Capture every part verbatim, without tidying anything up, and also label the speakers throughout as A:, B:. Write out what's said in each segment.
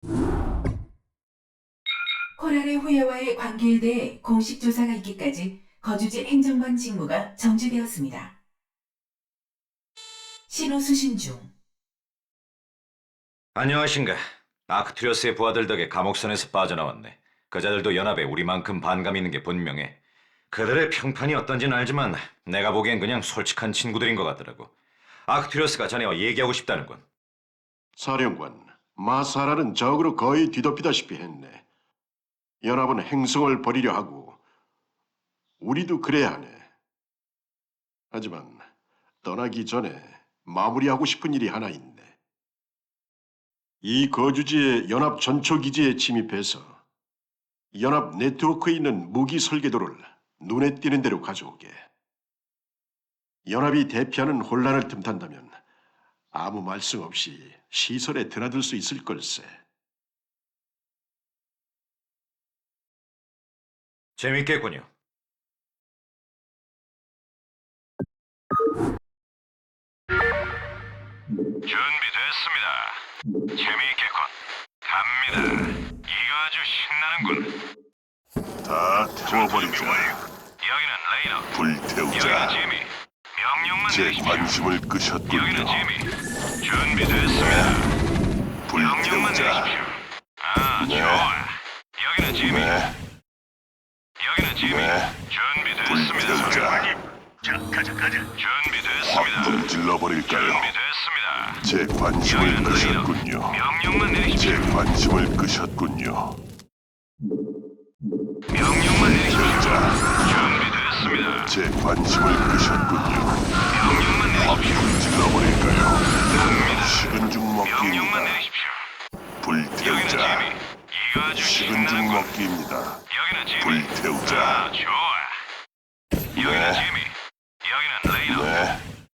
A: 코랄의 후예와의 관계에 대해 공식 조사가 있기까지 거주지 행정관 직무가 정지되었습니다. 신호 수신 중.
B: 안녕하신가. 아크투리어스의 부하들 덕에 감옥선에서 빠져나왔네. 그자들도 연합에 우리만큼 반감이 있는 게 분명해. 그들의 평판이 어떤지는 알지만 내가 보기엔 그냥 솔직한 친구들인 것 같더라고. 아크투리어스가 자네와 얘기하고 싶다는군.
C: 사령관, 마사라는 적으로 거의 뒤덮이다시피 했네. 연합은 행성을 버리려 하고 우리도 그래야 하네. 하지만 떠나기 전에 마무리하고 싶은 일이 하나 있네. 이 거주지의 연합 전초기지에 침입해서 연합 네트워크에 있는 무기 설계도를 눈에 띄는 대로 가져오게. 연합이 대피하는 혼란을 틈탄다면 아무 말씀 없이 시설에 드나들 수 있을 걸세.
B: 재밌겠군요.
D: 준비됐습니다. 재미있겠군. 갑니다. 이거 아주 신나는군.
C: 다 태워버리자.
D: 여기는 레이너. 여기는
C: 불태우자.
D: 지미. 명령만
C: 제
D: 내리십시오.
C: 관심을
D: 여기는
C: 끄셨군요.
D: 지미. 준비됐습니다. 명령만
C: 불태우자.
D: 내리십시오. 아,
C: 네.
D: 좋아. 여기는 지미.
C: 네,
D: 여기는 지미.
C: 네.
D: 준비됐습니다.
C: 불태우자.
D: 자, 가자, 가자.
C: 확
D: 준비됐습니다.
C: 불질러버릴까요?
D: 준비됐습니다.
C: 제 관심을
D: 여기는 레이너.
C: 끄셨군요.
D: 명령만
C: 제
D: 내리십시오.
C: 관심을 끄셨군요.
D: 명령만 내리십시오.
C: 자,
D: 준비됐습니다.
C: 제 관심을 끄셨군요.
D: 명령만
C: 확
D: 내리십시오.
C: 불질러버릴까요? 식은 죽
D: 명령만
C: 먹기입니다.
D: 내리십시오. 여기는
C: 불태우자.
D: 지미. 이거 아주
C: 식은 죽
D: 신나는 군.
C: 먹기입니다.
D: 여기는 지미.
C: 불태우자.
D: 아, 좋아. 여기는
C: 네.
D: 지미. 여기는 레이너.
C: 네,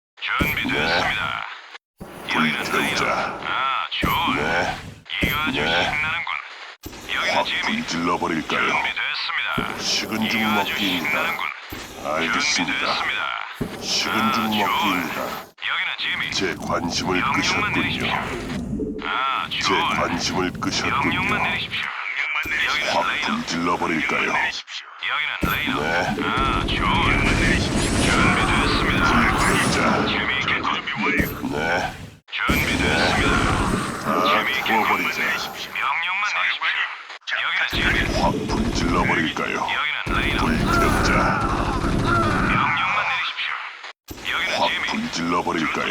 D: 준비됐습니다. 여기는 레이너.
C: 불태우자.
D: 아, 좋아.
C: 네,
D: 이거 아주
C: 네.
D: 신나는군. 여기는
C: 확
D: 지미.
C: 불질러버릴까요?
D: 준비됐습니다.
C: 식은 죽
D: 이거 아주
C: 먹기입니다.
D: 신나는군.
C: 알겠습니다.
D: 준비됐습니다.
C: 식은 죽
D: 아,
C: 먹기입니다.
D: 여기는 지미.
C: 제 관심을
D: 명령만
C: 끄셨군요.
D: 내리십시오. 아,
C: 제
D: 좋아.
C: 관심을 끄셨군요.
D: 명령만 내리십시오. 명령만 내리십시오.
C: 확
D: 여기는 레이너.
C: 불질러버릴까요?
D: 여기는 레이너.
C: 네.
D: 아, 좋아. 준비됐습니다.
C: 불태우자.
D: 재미있게 준비 완료.
C: 네,
D: 준비됐습니다.
C: 다
D: 재미있게
C: 태워버리자.
D: 명령만 내리십시오. 여기는 재미.
C: 확 불질러버릴까요?
D: 여기는 레이너.
C: 불태우자.
D: 명령만 내리십시오. 여기는
C: 확
D: 재미.
C: 불질러버릴까요?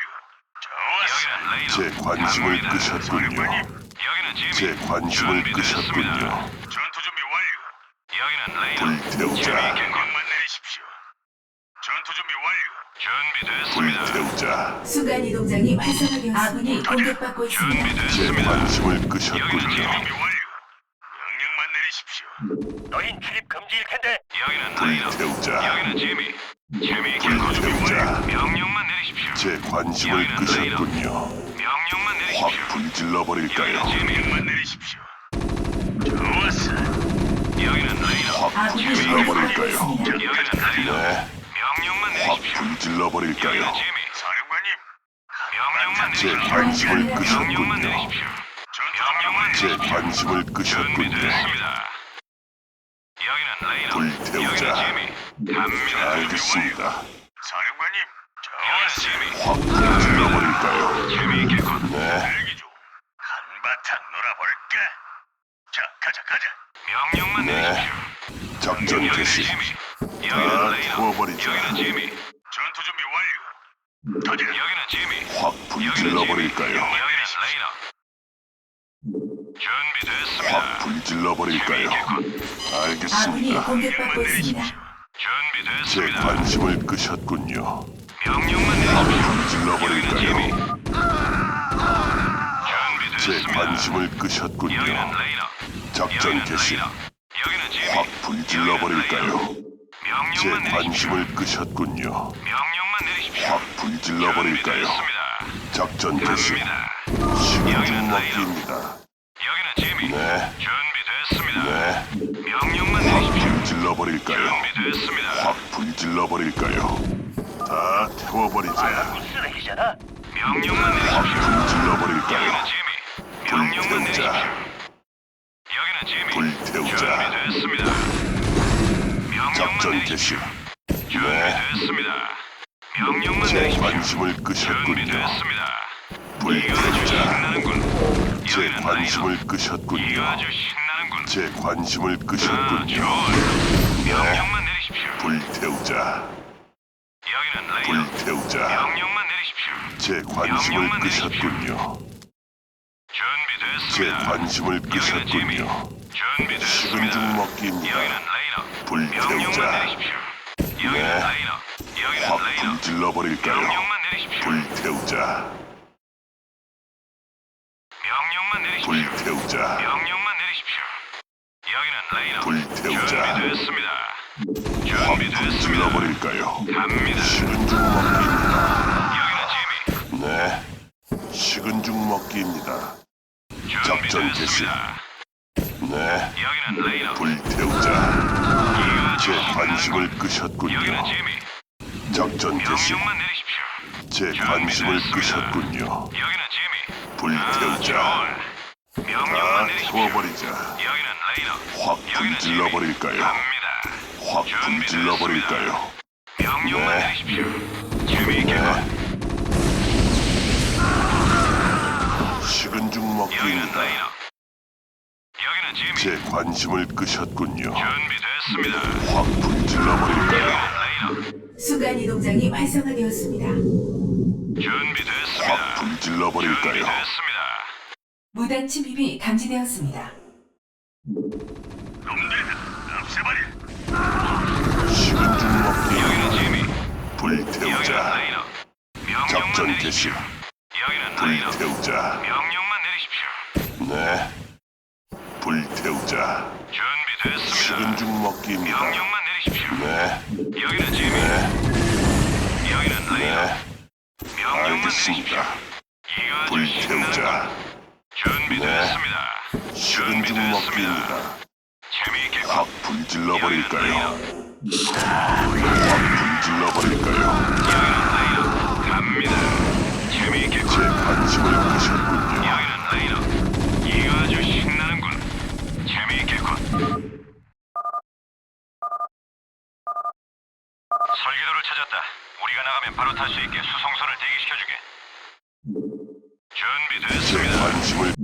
D: 여기는 레이너.
C: 제 관심을
D: 갑니다.
C: 끄셨군요.
D: 여기는 재미.
C: 제 관심을
D: 준비됐습니다.
C: 끄셨군요.
D: 전투 준비 완료. 여기는 레이너.
C: 불태우자.
D: 재미있게 명만 내리십시오. 전투 준비 완료. 준비됐습니다.
C: 불태우자.
A: 순간 이동장이 활성화되었습니다. 아군이 공격받고 있습니다.
C: 제
D: 준비됐습니다.
C: 관심을
D: 여기는
C: 끄셨군요.
D: 준비 완료. 명령만 내리십시오. 너흰 출입 금지일 텐데. 여기는 레이너.
C: 불태우자.
D: 여기는 재미. 재미있게
C: 불태우자.
D: 명령만 내리십시오.
C: 제 관심을
D: 여기는
C: 끄셨군요.
D: 명령만
C: 확
D: 내리십시오.
C: 불질러버릴까요?
D: 여기는 재미만 내리십시오. 좋았어. 여기는 레이너.
C: 확
A: 아군이
C: 불질러버릴까요?
A: 공격받고 있습니다.
D: 여기는 레이너.
C: 네,
D: 명령만
C: 확
D: 내리십시오.
C: 불질러버릴까요?
D: 여기는 재미. 사령관님. 명령만
C: 제
D: 내리십시오.
C: 관심을
D: 명령만
C: 끄셨군요.
D: 내리십시오. 명령만
C: 제
D: 내리십시오.
C: 관심을 끄셨군요.
D: 준비됐습니다. 여기는 레이너.
C: 불태우자.
D: 여기는 재미. 갑니다.
C: 알겠습니다.
D: 사령관님. 여기는 재미.
C: 확 불질러버릴까요?
D: 재미있겠군.
C: 네,
D: 대기 중. 한바탕 놀아볼까? 자, 가자, 가자. 명령만
C: 네.
D: 내리십시오.
C: 작전
D: 여기는
C: 개시.
D: 재미.
C: 다
D: 여기는 레이너.
C: 태워버리자.
D: 여기는 재미. 전투 준비 완료. 터져. 여기는 재미.
C: 확 불질러버릴까요?
D: 여기는 레이너. 준비됐습니다.
C: 확 불질러버릴까요?
A: 아군이
C: 알겠습니다.
A: 공격받고 있습니다.
C: 제
D: 준비됐습니다.
C: 관심을 끄셨군요.
D: 명령만
C: 확
D: 내리십시오. 여기는 재미.
C: 불질러버릴까요? 제
D: 준비됐습니다.
C: 관심을 끄셨군요.
D: 여기는 레이너.
C: 작전
D: 여기는
C: 개시.
D: 레이너. 여기는 재미.
C: 확 불질러버릴까요? 제
D: 명령만 내리십시오.
C: 관심을 끄셨군요.
D: 명령만 내리십시오.
C: 확 불질러버릴까요?
D: 준비됐습니다.
C: 작전 개시.
D: 갑니다.
C: 식은 죽 먹기입니다.
D: 여기는 재미.
C: 네,
D: 준비됐습니다.
C: 네,
D: 명령만
C: 확
D: 내리십시오.
C: 불질러버릴까요?
D: 준비됐습니다.
C: 확 불질러버릴까요? 다 태워버리자.
D: 쓰레기잖아. 명령만
C: 확
D: 내리십시오.
C: 불질러버릴까요?
D: 여기는 재미. 명령만
C: 불태우자.
D: 내리십시오.
E: 개시.
D: 준비됐습니다. 명령만
E: 제
D: 내리십시오.
E: 관심을 끄셨군요.
D: 준비됐습니다. 이거 아주
E: 불태우자.
D: 신나는군.
E: 제
D: 여기는
E: 관심을
D: 라이너. 이거
E: 끄셨군요.
D: 아주 신나는군.
E: 제 관심을
D: 아,
E: 끄셨군요.
D: 좋아. 명령만 내리십시오.
E: 불태우자.
D: 여기는 라이너.
E: 불태우자.
D: 명령만 내리십시오.
E: 제 관심을
D: 명령만 내리십시오.
E: 끄셨군요. 제
D: 준비됐습니다.
E: 관심을
D: 여기는 지미.
E: 끄셨군요.
D: 준비됐습니다.
E: 식은 죽 먹기입니다.
D: 여기는 라이너. 명령만
E: 불태우자.
D: 내리십시오. 여기는
E: 네.
D: 라이너. 여기는
E: 확
D: 라이너.
E: 불질러 버릴까요?
D: 명령만 내리십시오.
E: 불태우자.
D: 명령만 내리십시오.
E: 불태우자.
D: 명령만 내리십시오. 여기는 라이너.
E: 불태우자.
D: 준비됐습니다.
E: 확 불질러
D: 준비됐습니다.
E: 버릴까요?
D: 갑니다.
E: 식은 죽 먹기입니다.
D: 여기는 지미.
E: 네. 식은 죽 먹기입니다. 작전 개시.
D: 준비됐습니다.
E: 네.
D: 여기는 라이너.
E: 불태우자.
D: 이거 아주
E: 제
D: 신나는군.
E: 관심을
D: 여기는
E: 끄셨군요.
D: 지미.
E: 작전 개시.
D: 명령만 내리십시오.
E: 제 관심을
D: 준비됐습니다.
E: 끄셨군요.
D: 여기는 지미.
E: 불태우자.
D: 아, 명령만
E: 다
D: 내리십시오.
E: 태워버리자.
D: 여기는 라이너.
E: 확
D: 여기는
E: 불질러
D: 지미.
E: 버릴까요?
D: 갑니다.
E: 확 불질러 버릴까요?
D: 명령만
E: 네.
D: 내리십시오. 재미있게 봐.
E: 네. 식은 죽
D: 여기는
E: 먹기입니다.
D: 라이너. 여기는 지미.
E: 제 관심을 끄셨군요.
D: 준비됐습니다.
E: 확 불질러 버릴까요?
D: 여기는 라이너.
A: 순간 이동장이 활성화되었습니다.
D: 준비됐습니다.
E: 확 불질러 버릴까요?
D: 준비됐습니다.
A: 무단 침입이 감지되었습니다.
D: 놈들 없애버려.
E: 식은 죽 먹기.
D: 여기는 지미. 여기는
E: 불태우자.
D: 라이너. 명령만
E: 작전
D: 내리십시오.
E: 개시.
D: 여기는 라이너.
E: 불태우자.
D: 명령만 내리십시오.
E: 네. 불태우자.
D: 준비됐습니다.
E: 식은 죽 먹기입니다.
D: 명령만 내리십시오.
E: 네.
D: 여기는 지미.
E: 네.
D: 여기는 라이너.
E: 네.
D: 명령만 내리십시오.
E: 알겠습니다.
D: 이거 아주
E: 불태우자.
D: 신나는군. 준비됐습니다.
E: 식은 죽 먹기입니다.
D: 재미있게
E: 확 불질러 버릴까요? 확 불질러 버릴까요?
D: 여기는 라이너. 갑니다. 재미있게
E: 제 관심을 끄셨군요.
D: 여기는 라이너. 이거 아주 신나는군. 재미있겠군. 설계도를 찾았다. 우리가 나가면 바로 탈 수 있게 수송선을 대기시켜주게.
E: 제
D: 준비됐습니다.
E: 관심을